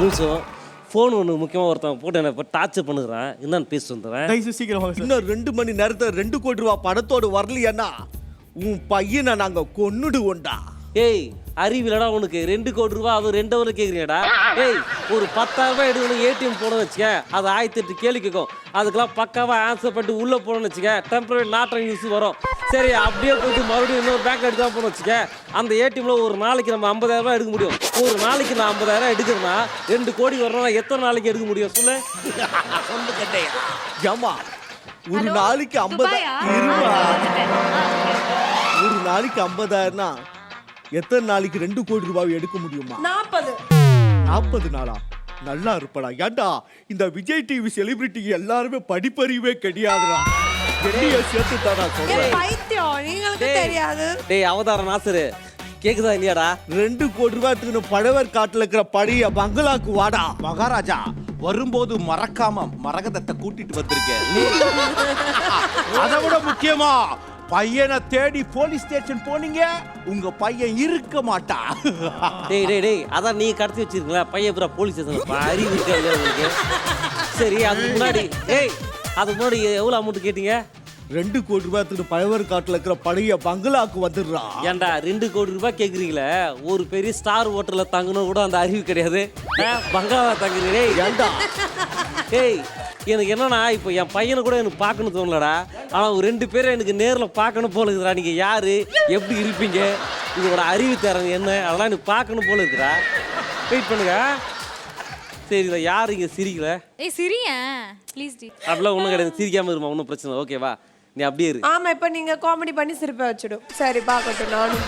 நிமிஷம் ஃபோன் ஒன்று முக்கியமாக ஒருத்தவங்க போட்டு என்ன இப்போ டார்ச்சர் பண்ணுறான். என்னன்னு பேசிட்டு வந்துடுறேன். சீக்கிரம் இன்னும் 2 மணி நேரத்துல 2 கோடி ரூபா பணத்தோடு வரலையானா உன் பையனை நாங்க கொன்னுடுவோண்டா. ஏய் அறிவிலடா உனக்கு 2 கோடி ரூபா அதுவும் 2 ஹவர் கேட்குறீங்கடா. ஏய் ஒரு 10,000 ரூபாய் எடுக்கணும் ஏடிஎம் போனோம்னு வச்சுக்க, அது 1008 கேள்வி கேட்கும். அதுக்கெல்லாம் பக்காவாக ஆன்சர் பண்ணிட்டு உள்ளே போனோம்னு வச்சுக்க, டெம்பரரி நாட் நியூஸ் வரும். சரி அப்படியே போயிட்டு மறுபடியும் இன்னொரு பேங்க் எடுத்து தான் போகணும் வச்சுக்க, அந்த ஏடிஎம்ல ஒரு நாளைக்கு நம்ம 50,000 ரூபாய் எடுக்க முடியும். ஒரு நாளைக்கு நான் 50,000 எடுக்கிறேன்னா 2 கோடி வரணும்னா எத்தனை நாளைக்கு எடுக்க முடியும் சொல்லு? சொல்லு கட்டையா. ஏமா ஒரு நாளைக்கு 50,000னா எத்தனை நாளைக்கு 2 கோடி ரூபாய் எடுக்க முடியுமா? 40 நாளா? நல்லா இருப்படா. ஏண்டா இந்த விஜய் டிவி செலிபிரிட்டி எல்லாருமே படிப்பறிவே கிடையாதுடா. என்னைய சேர்த்து தானா சொல்றேன். டேய் அவதார நாசரு கேக்குதா இல்லையாடா? 2 கோடி ரூபாய் எடுத்துக்கிட்டு பழவர் காட்டுல இருக்கிற பழைய பங்களாக்கு வாடா. மகாராஜா வரும்போது மறக்காம மரகதத்தை கூட்டிட்டு வந்திருக்கேன். அதை விட முக்கியமா பையனை தேடி போலீஸ் ஸ்டேஷன் போனீங்க, உங்க பையன் இருக்க மாட்டா. டேய் அதான் நீ கடத்தி வச்சிருக்கீங்களா பையன் பூரா போலீஸ் ஸ்டேஷன் அறிவு இருக்கா இல்லையா உங்களுக்கு? சரி அதுக்கு முன்னாடி எவ்வளோ அமௌண்ட் கேட்டீங்க? 2 கோடி ரூபாய் எடுத்துக்கிட்டு பழவர் காட்டுல இருக்கிற பழைய பங்களாக்கு வந்துடுறா. ஏன்டா 2 கோடி ரூபாய் கேட்குறீங்களே, ஒரு பெரிய ஸ்டார் ஹோட்டல்ல தங்கணும் கூட அந்த அறிவு கிடையாது. பங்களாவா தங்குறீங்க? ஏண்டா ஏய் எனக்கு என்னன்னா இப்போ என் பையனை கூட எனக்கு பார்க்கணும் தோணலடா. ஆனால் ஒரு 2 பேரை எனக்கு நேரில் பார்க்கணும் போல இருக்குதுடா. நீங்கள் யார், எப்படி இருப்பீங்க, இதோட அறிவு தரங்க என்ன, அதெல்லாம் எனக்கு பார்க்கணும் போல இருக்குடா. வெயிட் பண்ணுங்க. சரி இதை யார் இங்கே சிரிக்கல? ஏய் சிரியேன் ப்ளீஸ் டி. அப்படிலாம் ஒன்றும் கிடையாது, சிரிக்காமல் இருமா, ஒன்றும் பிரச்சனை இல்லை. ஓகேவா நீ அப்படியே இரு. ஆமா இப்ப நீங்க காமெடி பண்ணி சிரிப்ப வச்சிடும். சரி பாக்கட்டும் நானும்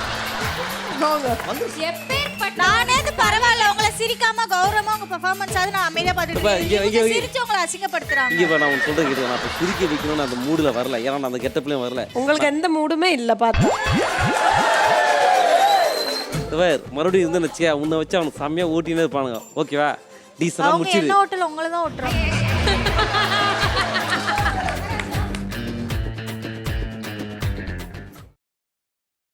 நானே பரவாயில்ல உங்களை சிரிக்காம கௌரவமா உங்க பெர்ஃபார்மன்ஸ் ஆகுது நான் அமைதியா பார்த்துட்டு சிரிச்சு உங்களை அசிங்கப்படுத்துறாங்க. இங்கே நான் உனக்கு சொல்றது கேட்டு நான் இப்போ சிரிக்க வைக்கணும்னு அந்த மூடில் வரல, ஏன்னா நான் அந்த கெட்டப்லேயும் வரல. உங்களுக்கு எந்த மூடுமே இல்ல பார்த்தா. மறுபடியும் இருந்து வச்சியா உன்னை வச்சு அவனுக்கு செம்மையாக ஓட்டினே இருப்பானுங்க. ஓகேவா டீசனாக அவங்க முடிச்சிடு. என்ன ஹோட்டல் உங்களை தான் ஓட்டுறாங்க.